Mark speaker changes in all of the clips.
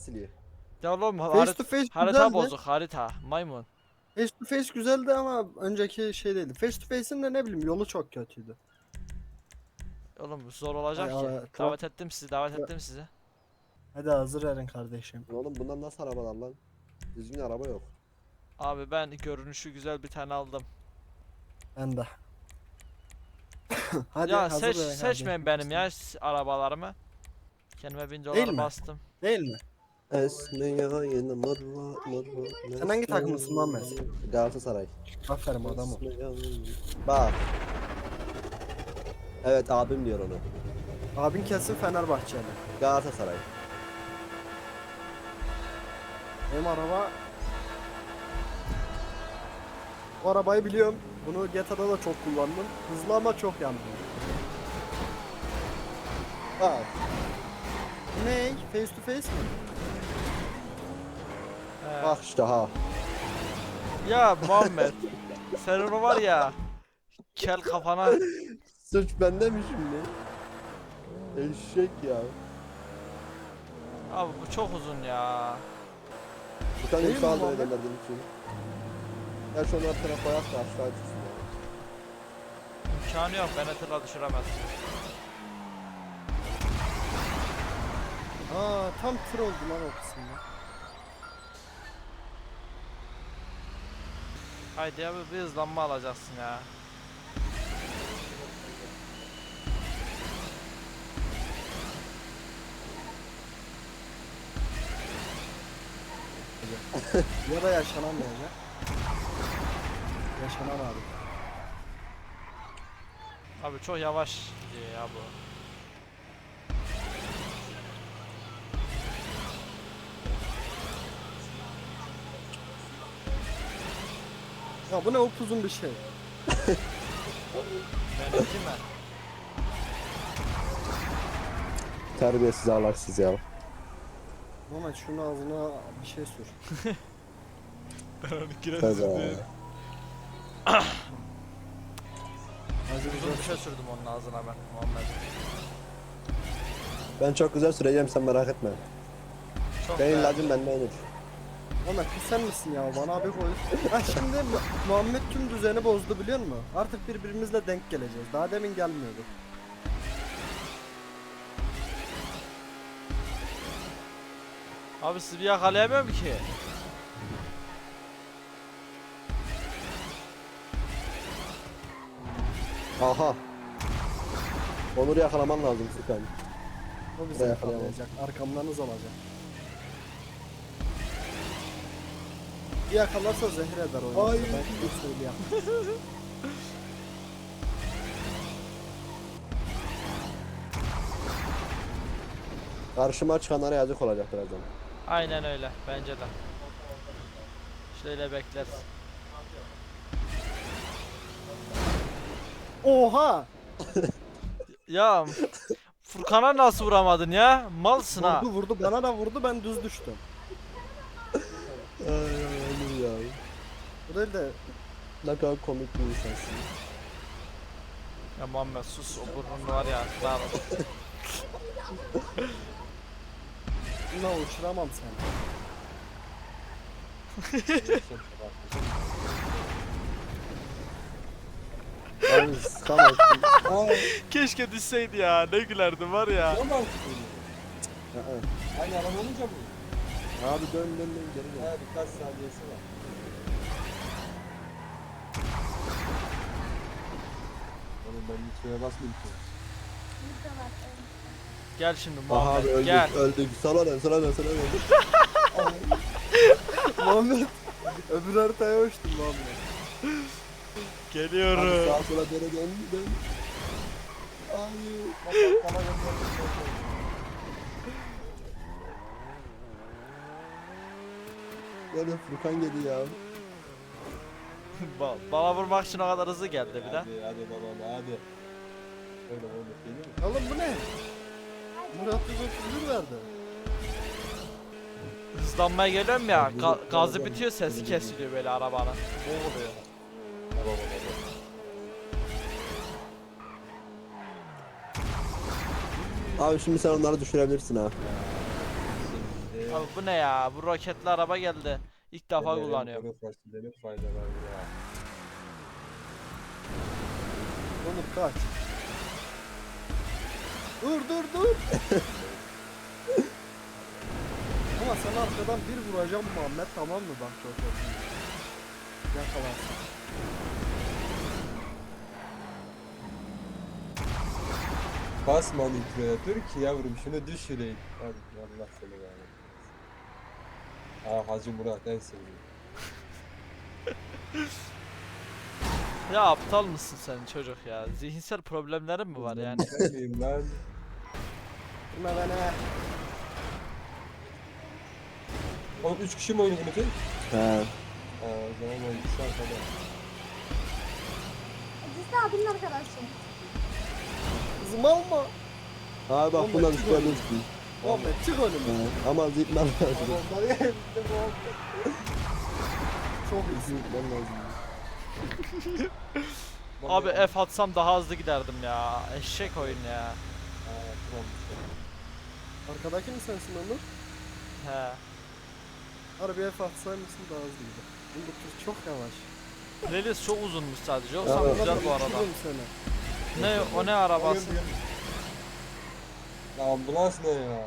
Speaker 1: siliyor.
Speaker 2: Ya oğlum
Speaker 3: Face to face
Speaker 2: harita
Speaker 3: güzeldi.
Speaker 2: bozuk harita. Maymun.
Speaker 3: Face to face güzeldi ama önceki şey değildi. Face to face'in de ne bileyim yolu çok kötüydü.
Speaker 2: Oğlum zor olacak
Speaker 3: Ay,
Speaker 2: ki.
Speaker 3: ay,
Speaker 2: Davet ettim sizi, davet ettim sizi.
Speaker 3: Hadi hazır verin kardeşim.
Speaker 1: Oğlum bundan nasıl arabalar lan? Düzgün araba yok.
Speaker 2: Abi ben görünüşü güzel bir tane aldım.
Speaker 3: Ben de. Hadi
Speaker 2: Ya
Speaker 3: hazır verin
Speaker 2: seçmeyin
Speaker 3: kardeşim.
Speaker 2: benim ya arabalarımı. Kendime 1000
Speaker 3: Değil
Speaker 2: dolar
Speaker 3: mi?
Speaker 2: bastım.
Speaker 3: Değil mi?
Speaker 1: Esmeyayın mırva.
Speaker 3: Sen hangi takımlısın Muhammed?
Speaker 1: Galatasaray.
Speaker 3: Aferin adamım.
Speaker 1: Bak. Evet abim diyor onu.
Speaker 3: Abin kesin Fenerbahçeli.
Speaker 1: Galatasaray.
Speaker 3: Benim araba... Bu arabayı biliyorum. Bunu GTA'da da çok kullandım. Hızlı ama çok yandım.
Speaker 1: Bak.
Speaker 3: Ne? Face to face mi?
Speaker 1: Bak işte ha.
Speaker 2: Ya Muhammed. Sen onu var ya. Kel kafana.
Speaker 1: Suç bende mi şimdi? Eşek ya.
Speaker 2: Abi bu çok uzun ya.
Speaker 1: Bir tane
Speaker 3: Değil mi
Speaker 1: yüksel
Speaker 3: Muhammed?
Speaker 1: ederler benim için. Ya şu onlar tarafa koyak da aşağı düşsün ya.
Speaker 2: İmkanı yok beni tırla düşüremez.
Speaker 3: Aa tam tır oldu lan o kısımda.
Speaker 2: Haydi abi bir hızlanma alacaksın ya.
Speaker 3: Ya da yaşanamayacak. Yaşanan abi.
Speaker 2: Abi çok yavaş gidiyor ya bu.
Speaker 3: Ya bu ne upuzun bir şey.
Speaker 2: Benimki mi?
Speaker 1: Terbiyesiz ağlaksız ya.
Speaker 3: Ama şunun ağzına bir şey sür.
Speaker 2: Ben onu
Speaker 1: Tabii.
Speaker 3: Hazır
Speaker 2: Uzun bir
Speaker 3: güzel.
Speaker 2: şey sürdüm onun ağzına ben Muhammed.
Speaker 1: Ben çok güzel süreceğim sen merak etme.
Speaker 2: Çok
Speaker 1: Benim
Speaker 2: beğendim.
Speaker 1: ilacım bende olur.
Speaker 3: Ama sen misin ya bana abi koy. Ha şimdi Muhammed tüm düzeni bozdu biliyor musun? Artık birbirimizle denk geleceğiz. Daha demin gelmiyordu.
Speaker 2: Abi sizi bir yakalayamıyorum ki.
Speaker 1: Aha. Onur'u yakalaman lazım Sükan.
Speaker 3: O bizi
Speaker 1: Buraya
Speaker 3: yakalayacak. Arkamdanız olacak. Bir yakalarsa zehir eder o.
Speaker 1: Ay.
Speaker 3: Ben bir söyleyeyim.
Speaker 1: Karşıma çıkanlara yazık olacak birazdan.
Speaker 2: Aynen öyle bence de. Şöyle bekler.
Speaker 3: Oha!
Speaker 2: Ya Furkan'a nasıl vuramadın ya? Malsın ha.
Speaker 3: Vurdu vurdu bana da vurdu ben düz düştüm.
Speaker 1: Ay Onur ya.
Speaker 3: Bu değil de
Speaker 1: Ne kadar komik bir insansın.
Speaker 2: Ya Muhammed sus o burnun var ya. Daha
Speaker 3: buna uçuramam seni.
Speaker 1: Abi tamam.
Speaker 2: Keşke düşseydi ya. Ne gülerdim var ya.
Speaker 1: Aynı araba olunca mı? Abi dön geri gel. Evet birkaç saniyesi var. Oğlum ben hiç şeye basmayayım ki.
Speaker 2: Gel şimdi
Speaker 1: Aha
Speaker 2: Muhammed
Speaker 1: abi öldük
Speaker 2: gel.
Speaker 1: öldük. Sana dön.
Speaker 3: Muhammed öbür haritaya uçtum Muhammed.
Speaker 1: Abi
Speaker 2: Geliyorum.
Speaker 1: sağa sola dön. Ay. Böyle Furkan geldi ya.
Speaker 2: Bana vurmak için o kadar hızlı geldi bir de.
Speaker 1: Hadi babam hadi. Öyle oldu değil mi?
Speaker 3: Oğlum bu ne? Murat 131 verdi.
Speaker 2: Hızlanmaya geliyorum ya. Gazı bitiyor sesi kesiliyor böyle arabanın. Boğuluyor.
Speaker 1: Abi şimdi sen onları düşürebilirsin ha.
Speaker 2: Abi bu ne ya? Bu roketli araba geldi. İlk defa kullanıyorum.
Speaker 1: Kuru fasulyenin faydaları ya.
Speaker 3: Onur kaç. Dur. Ama sen arkadan bir vuracağım Muhammed, tamam mı bak çok olsun. Yakalarsın.
Speaker 1: Basma nitroya, dur ki yavrum şunu düşüreyim. Hadi Allah seni kahretsin. Hacı Murat en sevdiğim.
Speaker 2: Ya aptal mısın sen çocuk ya? Zihinsel problemlerin mi var yani?
Speaker 1: Ben miyim lan?
Speaker 3: Buna bana.
Speaker 1: Oğlum 3 kişi mi oynuyor bunu?
Speaker 4: He.
Speaker 1: O zaman o ikisi arkada.
Speaker 5: Biz de abinin arkadaşı.
Speaker 3: Kızım alma.
Speaker 4: Abi bak
Speaker 3: Oğlum,
Speaker 4: bunlar
Speaker 3: çık
Speaker 4: üstüne
Speaker 3: önüme.
Speaker 4: düştü.
Speaker 3: Muhammed çık önüme.
Speaker 4: He. Ama zıplar lazım.
Speaker 3: Onları yedim Çok iyisin.
Speaker 4: Zıplar lazım.
Speaker 2: Abi F atsam daha hızlı giderdim ya. Eşek oyun ya.
Speaker 3: Arkadaki mi sensin Onur?
Speaker 2: He.
Speaker 3: Harbiye fatsaymışsın daha hızlıydı. Bu tur çok yavaş.
Speaker 2: Playlist çok uzunmuş sadece. Yoksa
Speaker 4: Evet.
Speaker 2: güzel bu arada.
Speaker 3: Uçururum seni.
Speaker 2: Ne o ne arabası?
Speaker 1: Ya ambulans ne ya?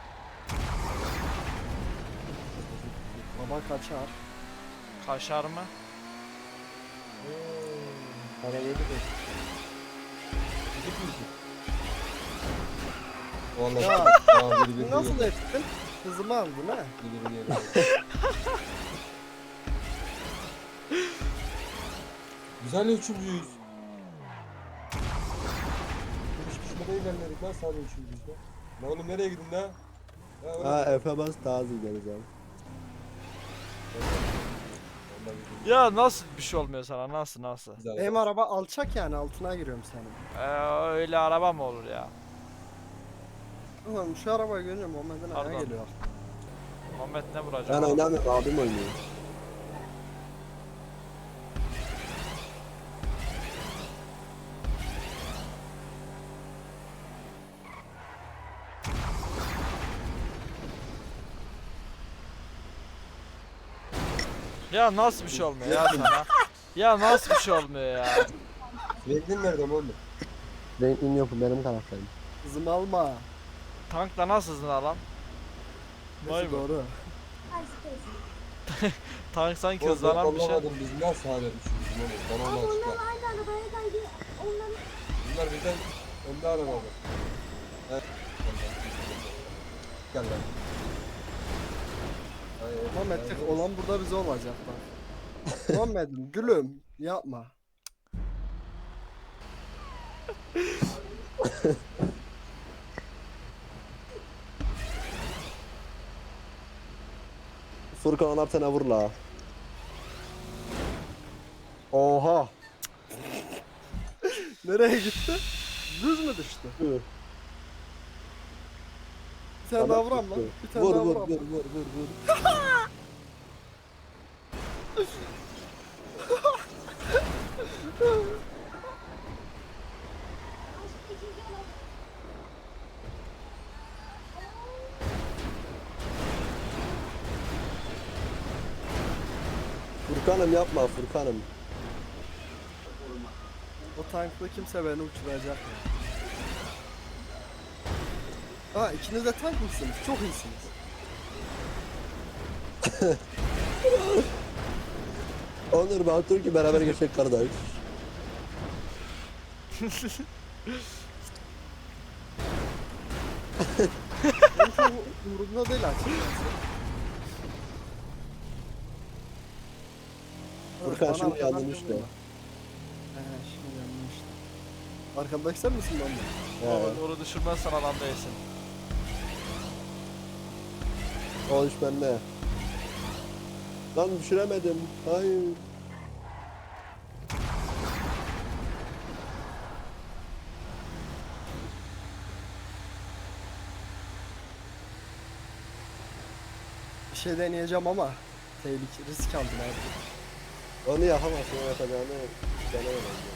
Speaker 3: Baba kaçar.
Speaker 2: Kaşar mı?
Speaker 1: Para verdi de. Gidip mi? Vallahi.
Speaker 3: Ya,
Speaker 1: Aa, biri
Speaker 3: Nasıl ettin? Hızımı aldın ha?
Speaker 1: Biri geliyor. Güzel üçüncüyüz. Üç kişi de ilerledik lan sadece üçüncüyüz lan. Lan oğlum nereye gidin lan?
Speaker 4: Ha Efe bas daha hızlı gideriz abi.
Speaker 2: Ya nasıl bir şey olmuyor sana? Nasıl?
Speaker 3: Benim araba alçak yani, altına giriyorum senin.
Speaker 2: Öyle araba mı olur ya?
Speaker 3: Ulan şu arabayı görünce Muhammed'in ayağa
Speaker 2: Pardon.
Speaker 3: geliyor.
Speaker 2: Muhammed ne vuracak?
Speaker 4: Ben oynamıyorum, abim oynuyor.
Speaker 2: Ya nasıl bir şey olmuyor ya sana? Ya nasıl bir şey olmuyor ya?
Speaker 1: Renklin nerede oğlum?
Speaker 4: Renklim yok, benim karakterim.
Speaker 3: Hızımı alma.
Speaker 2: Tankla nasıl hızlı lan? Vay
Speaker 3: Neyse
Speaker 2: be.
Speaker 3: doğru.
Speaker 5: Karşı
Speaker 2: Tank sanki
Speaker 1: Oğlum ben
Speaker 2: hızlanan bir şey.
Speaker 1: anlamadım biz nasıl hala üçüncüyüz oğlum? Bana
Speaker 5: Abi
Speaker 1: onu
Speaker 5: onlar
Speaker 1: açıkla.
Speaker 5: aynı arabaya geldi. Onların
Speaker 1: Bunlar bizden önde aramalı. Evet. Gel lan. Hayır,
Speaker 3: Muhammed
Speaker 1: hayır.
Speaker 3: tek olan burada bize olacak bak. Muhammed'im gülüm yapma.
Speaker 4: Furkan onlar sana vur la. Oha.
Speaker 3: Nereye gitti? Düz mü düştü?
Speaker 4: Hı.
Speaker 3: Bir tane daha vuram lan. Bir tane
Speaker 4: Vur
Speaker 3: daha
Speaker 4: vur
Speaker 3: vuram.
Speaker 4: vur vur vur.
Speaker 5: başka ikinci olan.
Speaker 4: Furkan'ım yapma Furkan'ım.
Speaker 3: O tankla kimse beni uçuracak ya. Aa, ikiniz de tank mısınız? Çok iyisiniz.
Speaker 4: Onur Batur ki beraber geçecek kardeş.
Speaker 3: Benim çok umurumda değil açıkçası.
Speaker 4: Furkan
Speaker 3: Bana
Speaker 4: şimdi
Speaker 3: arkadan
Speaker 4: yandın
Speaker 3: bir
Speaker 4: işte.
Speaker 3: vurma. Şimdi yandım işte. Arkamdaki sen misin lan bu?
Speaker 2: Onu düşürmezsen adam değilsin.
Speaker 4: O iş bende. Lan düşüremedim. Hayır.
Speaker 3: Bir şey deneyeceğim ama tehlike, risk aldım artık.
Speaker 4: Onu yapamazsın, o yapacağını denemem bence.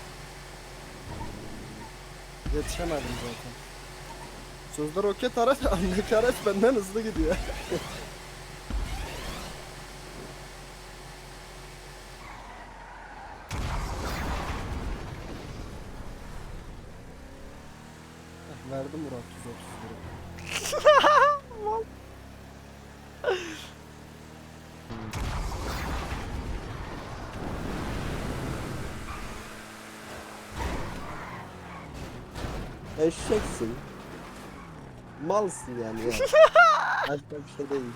Speaker 3: Yetişemedim zaten. Sözde roket araç, andaki araç benden hızlı gidiyor. çıkardım Murat 130 lira.
Speaker 4: Eşeksin. Malsın yani ya. Başka bir şey değil.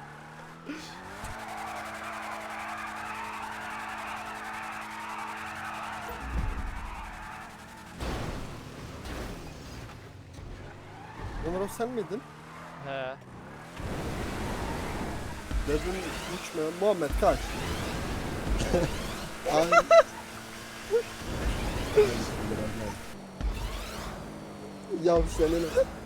Speaker 3: Ömer o sen miydin?
Speaker 2: He.
Speaker 3: Dedim uçma. Muhammed kaç.
Speaker 4: Ay. Ya senin.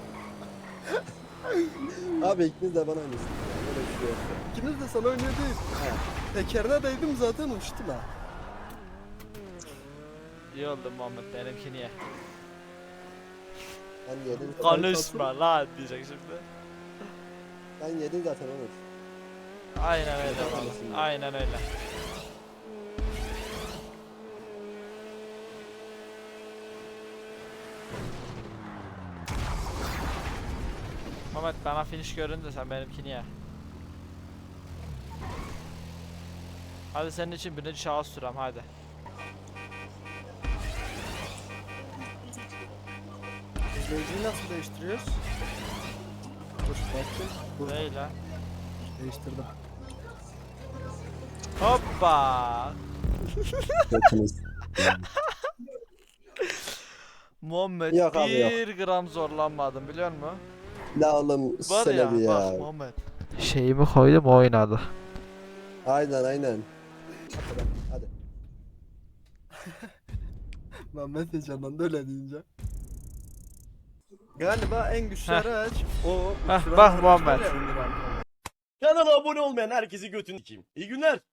Speaker 4: Abi ikiniz de bana aynısınız. Böyle bir şey yok.
Speaker 3: İkiniz de sana oynuyor değil. Tekerine değdim zaten uçtu la.
Speaker 2: İyi oldu Muhammed, benimki niye?
Speaker 4: Ben yedim.
Speaker 2: Konuşma lan diyecek şimdi.
Speaker 4: Ben yedim zaten Onur.
Speaker 2: Aynen öyle
Speaker 4: Konuşmasın
Speaker 2: valla.
Speaker 4: ya.
Speaker 2: Aynen öyle. Muhammed bana finish göründü, sen benimkini ye. Hadi senin için birinci şahıs sürem hadi.
Speaker 3: İzleyiciyi nasıl değiştiriyoruz? Dur bakayım. Dur
Speaker 2: Böyle.
Speaker 3: değiştirdim.
Speaker 2: Hoppa.
Speaker 4: Götünüz.
Speaker 2: Muhammed
Speaker 4: Yok abi, yok.
Speaker 2: 1 gram zorlanmadım biliyor musun?
Speaker 4: La oğlum
Speaker 2: Var
Speaker 4: sene
Speaker 2: ya
Speaker 4: bir ya.
Speaker 2: bak Muhammed. Şeyimi koydum oynadı.
Speaker 4: Aynen. Hadi.
Speaker 3: Muhammed heyecanlandı öyle deyince. Galiba en güçlü
Speaker 2: Heh.
Speaker 3: araç o.
Speaker 2: Heh,
Speaker 3: uçuran
Speaker 2: bak
Speaker 3: araç
Speaker 2: Muhammed.
Speaker 3: var ya, Önder abi.
Speaker 6: Kanala abone olmayan herkesi götünü sikeyim. İyi günler.